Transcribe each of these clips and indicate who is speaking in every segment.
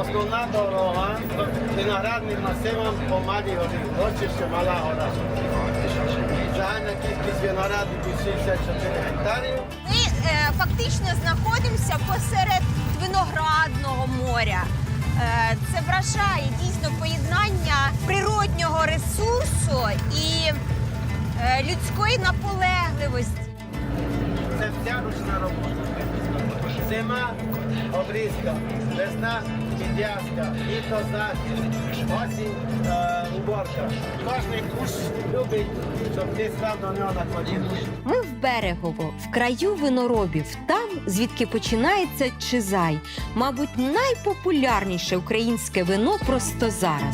Speaker 1: Основна дорога виноградним масивам по Малій Горі, урочище Мала Гора. Загальна кількість виноградників 64 гектарів.
Speaker 2: Ми фактично знаходимося посеред виноградного моря. Це вражає дійсно поєднання природнього ресурсу і людської наполегливості.
Speaker 1: Це вся ручна робота. Зима – обрізка, весна – підв'язка, літо – захист, осінь – уборка. Кожний кущ любить, щоб ти став до нього на коліна.
Speaker 3: Ми в Берегово, в краю виноробів, там, звідки починається Чизай. Мабуть, найпопулярніше українське вино просто зараз.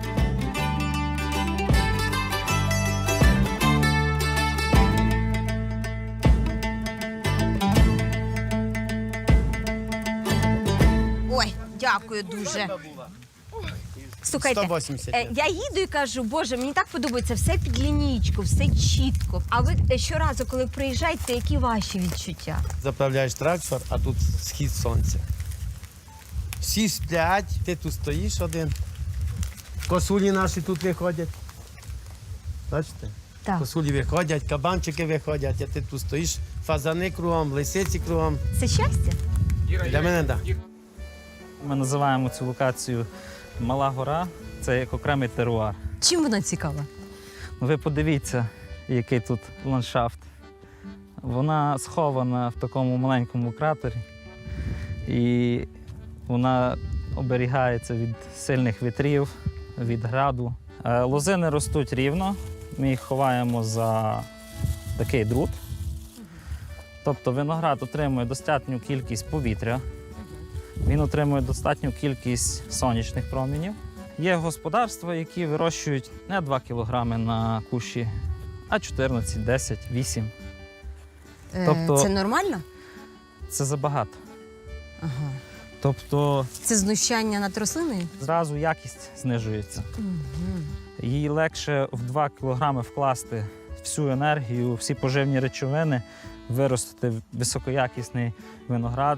Speaker 2: Ой, дякую дуже. Слухайте,
Speaker 1: 180.
Speaker 2: я їду і кажу, Боже, мені так подобається, все під лінійку, все чітко. А ви щоразу, коли приїжджаєте, які ваші відчуття?
Speaker 1: Заправляєш трактор, а тут схід сонця. Всі сплять, ти тут стоїш один. Косулі наші тут виходять. Бачите?
Speaker 2: Так.
Speaker 1: Косулі виходять, кабанчики виходять, а ти тут стоїш, фазани кругом, лисиці кругом.
Speaker 2: Це щастя?
Speaker 1: Для мене так. Да.
Speaker 4: Ми називаємо цю локацію Мала Гора. Це як окремий теруар.
Speaker 2: Чим вона цікава?
Speaker 4: Ви подивіться, який тут ландшафт. Вона схована в такому маленькому кратері. І вона оберігається від сильних вітрів, від граду. Лозини ростуть рівно. Ми їх ховаємо за такий друт. Тобто виноград отримує достатню кількість повітря. Він отримує достатню кількість сонячних промінів. Є господарства, які вирощують не 2 кілограми на кущі, а 14, 10, 8. Тобто
Speaker 2: Це нормально?
Speaker 4: це забагато.
Speaker 2: Ага.
Speaker 4: Тобто
Speaker 2: Це знущання над рослиною?
Speaker 4: зразу якість знижується.
Speaker 2: Угу.
Speaker 4: Їй легше в 2 кілограми вкласти всю енергію, всі поживні речовини, виростити високоякісний виноград.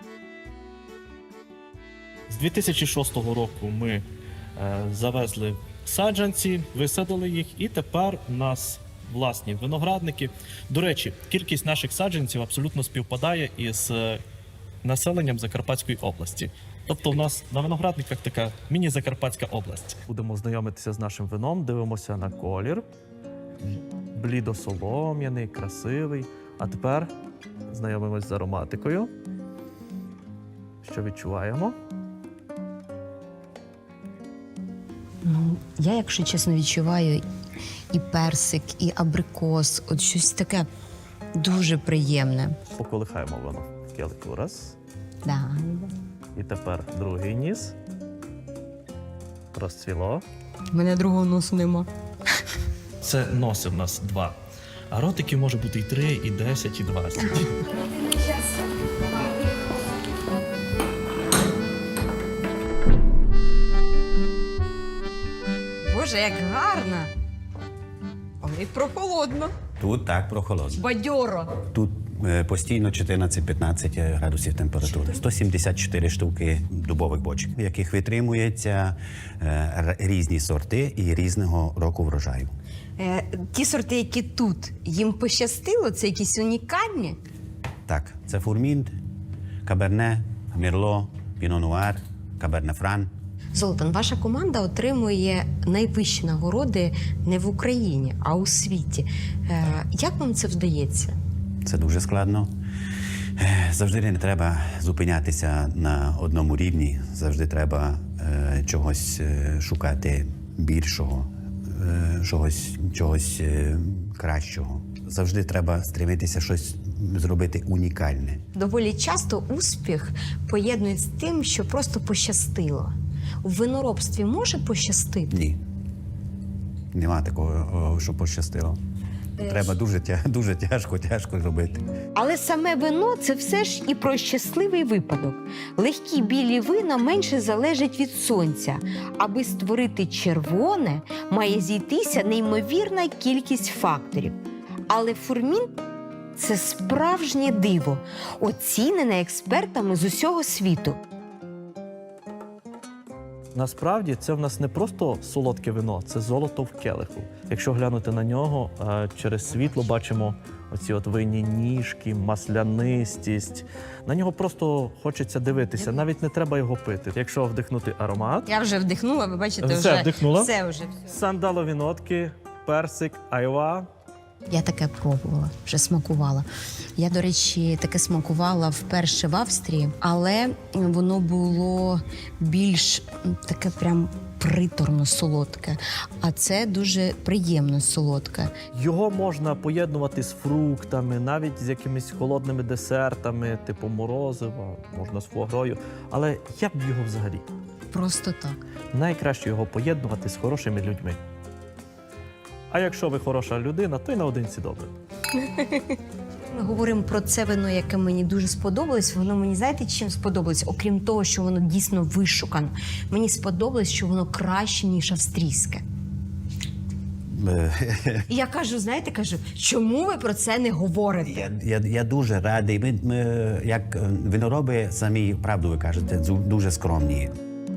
Speaker 5: З 2006 року ми завезли саджанці, висадили їх, і тепер у нас власні виноградники. До речі, кількість наших саджанців абсолютно співпадає із населенням Закарпатської області. Тобто у нас на виноградниках така міні-Закарпатська область.
Speaker 6: Будемо знайомитися з нашим вином, дивимося на колір. Блідосолом'яний, красивий. А тепер знайомимось з ароматикою. Що відчуваємо?
Speaker 7: Ну, я, якщо чесно, відчуваю і персик, і абрикос. От щось таке дуже приємне.
Speaker 6: Поколихаємо вино в келику. Раз.
Speaker 7: Да.
Speaker 6: І тепер другий ніс. Розцвіло.
Speaker 7: У мене другого носу нема.
Speaker 5: Це носи в нас 2. А ротики може бути і 3, і 10, і 20.
Speaker 2: Боже, як гарно! Але й прохолодно.
Speaker 8: Тут так прохолодно.
Speaker 2: Бадьоро.
Speaker 8: Тут постійно 14-15 градусів температури. 174 штуки дубових бочок, в яких витримується різні сорти і різного року врожаю.
Speaker 2: Ті сорти, які тут, їм пощастило? Це якісь унікальні?
Speaker 8: Так, це фурмінт, каберне, мерло, піно-нуар, каберне-фран.
Speaker 7: Золтан, ваша команда отримує найвищі нагороди не в Україні, а у світі. Як вам це вдається?
Speaker 8: Це дуже складно. Завжди не треба зупинятися на одному рівні. Завжди треба чогось шукати більшого, чогось кращого. Завжди треба стремитися щось зробити унікальне.
Speaker 7: Доволі часто успіх поєднують з тим, що просто пощастило. У виноробстві може пощастити?
Speaker 8: Ні. Нема такого, що пощастило. Треба дуже тяжко робити.
Speaker 3: Але саме вино – це все ж і про щасливий випадок. Легкі білі вина менше залежать від сонця. Аби створити червоне, має зійтися неймовірна кількість факторів. Але фурмінт – це справжнє диво, оцінене експертами з усього світу.
Speaker 6: Насправді це в нас не просто солодке вино, це золото в келиху. Якщо глянути на нього, через світло бачимо оці от винні ніжки, маслянистість. На нього просто хочеться дивитися, навіть не треба його пити. Якщо вдихнути аромат,
Speaker 7: Я вже вдихнула, ви бачите,
Speaker 6: Все,
Speaker 7: вже
Speaker 6: вдихнула?
Speaker 7: все вже.
Speaker 6: сандалові нотки, персик, айва.
Speaker 7: Я таке пробувала, вже смакувала. Я, до речі, таке смакувала вперше в Австрії, але воно було більш таке прям приторно солодке. А це дуже приємно солодке.
Speaker 6: Його можна поєднувати з фруктами, навіть з якимись холодними десертами, типу морозива, можна з фуагрою. Але я б його взагалі.
Speaker 7: Просто так.
Speaker 6: Найкраще його поєднувати з хорошими людьми. А якщо ви хороша людина, то й наодинці добре.
Speaker 7: Ми говоримо про це вино, яке мені дуже сподобалось. Воно мені, знаєте, чим сподобалось? Окрім того, що воно дійсно вишукано. Мені сподобалось, що воно краще, ніж австрійське. І я кажу, знаєте, чому ви про це не говорите?
Speaker 8: Я дуже радий. Ми, як винороби, самі, правду ви кажете, дуже скромні.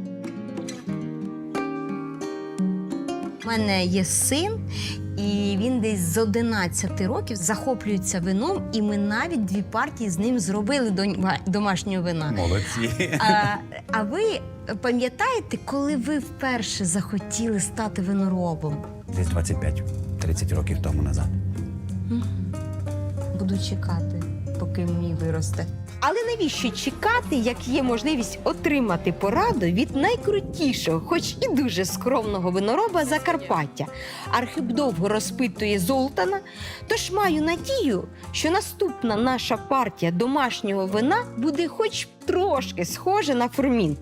Speaker 7: У мене є син, і він десь з 11 років захоплюється вином, і ми навіть 2 партії з ним зробили домашнього вина.
Speaker 8: Молодці.
Speaker 7: А ви пам'ятаєте, коли ви вперше захотіли стати виноробом?
Speaker 8: Десь 25-30 років тому назад.
Speaker 7: Буду чекати, поки мій виросте.
Speaker 3: Але навіщо чекати, як є можливість отримати пораду від найкрутішого, хоч і дуже скромного винороба Закарпаття? Архип довго розпитує Золтана, тож маю надію, що наступна наша партія домашнього вина буде хоч трошки схожа на фурмінт.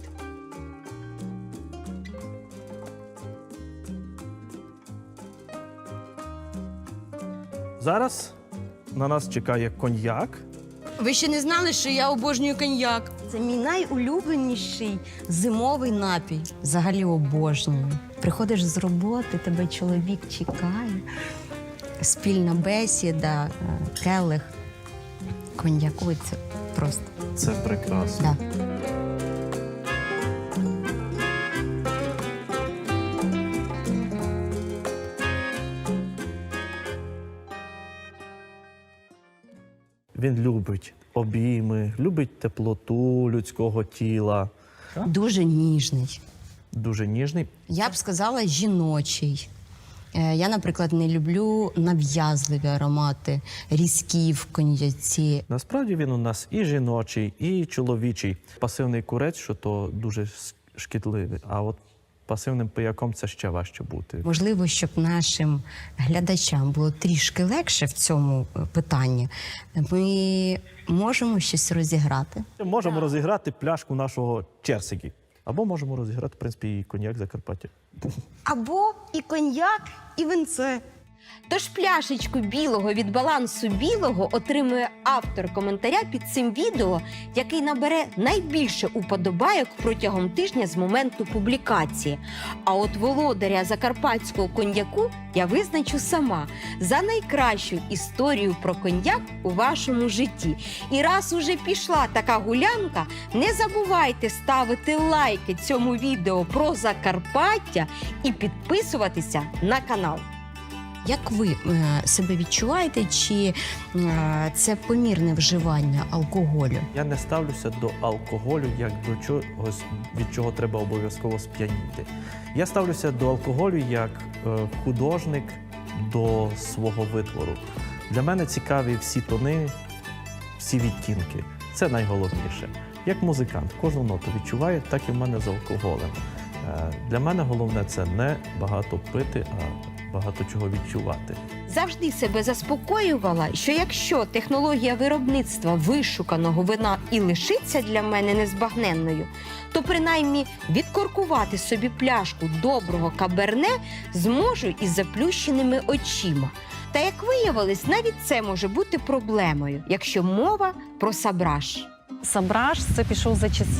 Speaker 6: Зараз на нас чекає коньяк.
Speaker 7: Ви ще не знали, що я обожнюю коньяк? Це мій найулюбленіший зимовий напій. Взагалі обожнюю. Приходиш з роботи, тебе чоловік чекає. Спільна бесіда, келих, коньяку. Це просто.
Speaker 6: Це прекрасно.
Speaker 7: Да.
Speaker 6: Він любить обійми, любить теплоту людського тіла.
Speaker 7: Дуже ніжний.
Speaker 6: Дуже ніжний.
Speaker 7: Я б сказала, жіночий. Я, наприклад, не люблю нав'язливі аромати, різкі в коньяці.
Speaker 6: Насправді він у нас і жіночий, і чоловічий. Пасивний курець, що то дуже шкідливий, а от пасивним пияком це ще важче бути.
Speaker 7: Можливо, щоб нашим глядачам було трішки легше в цьому питанні, ми можемо щось розіграти.
Speaker 6: Можемо розіграти пляшку нашого черсики. Або можемо розіграти, в принципі, і коньяк Закарпаття.
Speaker 3: Або і коньяк, і винце. Тож пляшечку білого від балансу білого отримує автор коментаря під цим відео, який набере найбільше уподобайок протягом тижня з моменту публікації. А от володаря закарпатського коньяку я визначу сама за найкращу історію про коньяк у вашому житті. І раз уже пішла така гулянка, не забувайте ставити лайки цьому відео про Закарпаття і підписуватися на канал.
Speaker 7: Як ви себе відчуваєте, чи це помірне вживання алкоголю?
Speaker 6: Я не ставлюся до алкоголю як до чогось, від чого треба обов'язково сп'яніти. Я ставлюся до алкоголю як художник до свого витвору. Для мене цікаві всі тони, всі відтінки. Це найголовніше. Як музикант, кожну ноту відчуває, так і в мене з алкоголем. Для мене головне – це не багато пити, а багато чого відчувати.
Speaker 3: Завжди себе заспокоювала, що якщо технологія виробництва вишуканого вина і лишиться для мене незбагненною, то принаймні відкоркувати собі пляшку доброго каберне зможу із заплющеними очима. Та як виявилось, навіть це може бути проблемою, якщо мова про сабраж.
Speaker 9: Сабраж це пішов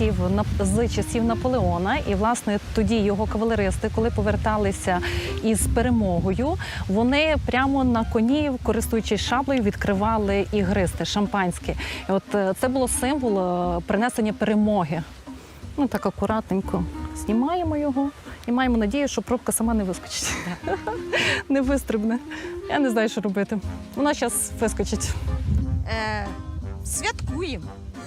Speaker 9: з часів Наполеона, і власне тоді його кавалеристи, коли поверталися із перемогою, вони прямо на коні, користуючись шаблею, відкривали ігристи шампанське. І от це було символ принесення перемоги. Ну так акуратненько. Знімаємо його і маємо надію, що пробка сама не вискочить. Не вистрибне. Я не знаю, що робити. Вона зараз вискочить.
Speaker 7: Святкуємо.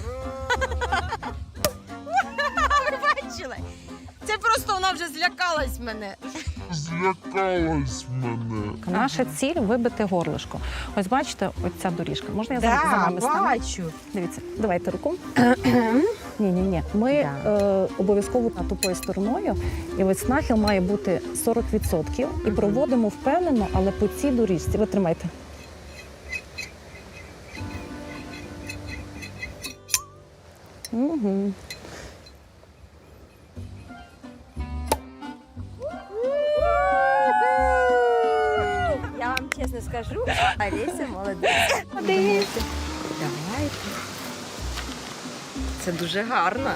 Speaker 7: Ви бачили? Це просто вона вже злякалась мене.
Speaker 9: Наша ціль вибити горлишко. Ось бачите, ось ця доріжка. Можна я за вами стану?
Speaker 7: бачу.
Speaker 9: Дивіться, давайте руку. Ні. Ми обов'язково тупою стороною. І ось нахил має бути 40%. І проводимо впевнено, але по цій доріжці. Ви тримайте. Угу.
Speaker 2: Я вам чесно скажу, Олеся молодець. Давайте. Це дуже гарно.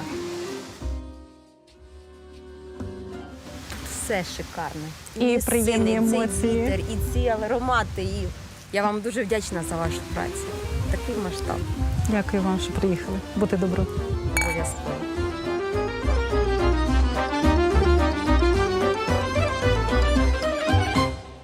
Speaker 2: Все шикарно.
Speaker 9: І приємні емоції.
Speaker 2: Цей вітер, і ці аромати. І я вам дуже вдячна за вашу працю. Такий масштаб.
Speaker 9: Дякую вам, що приїхали. Будьте добро.
Speaker 2: Обов'язково.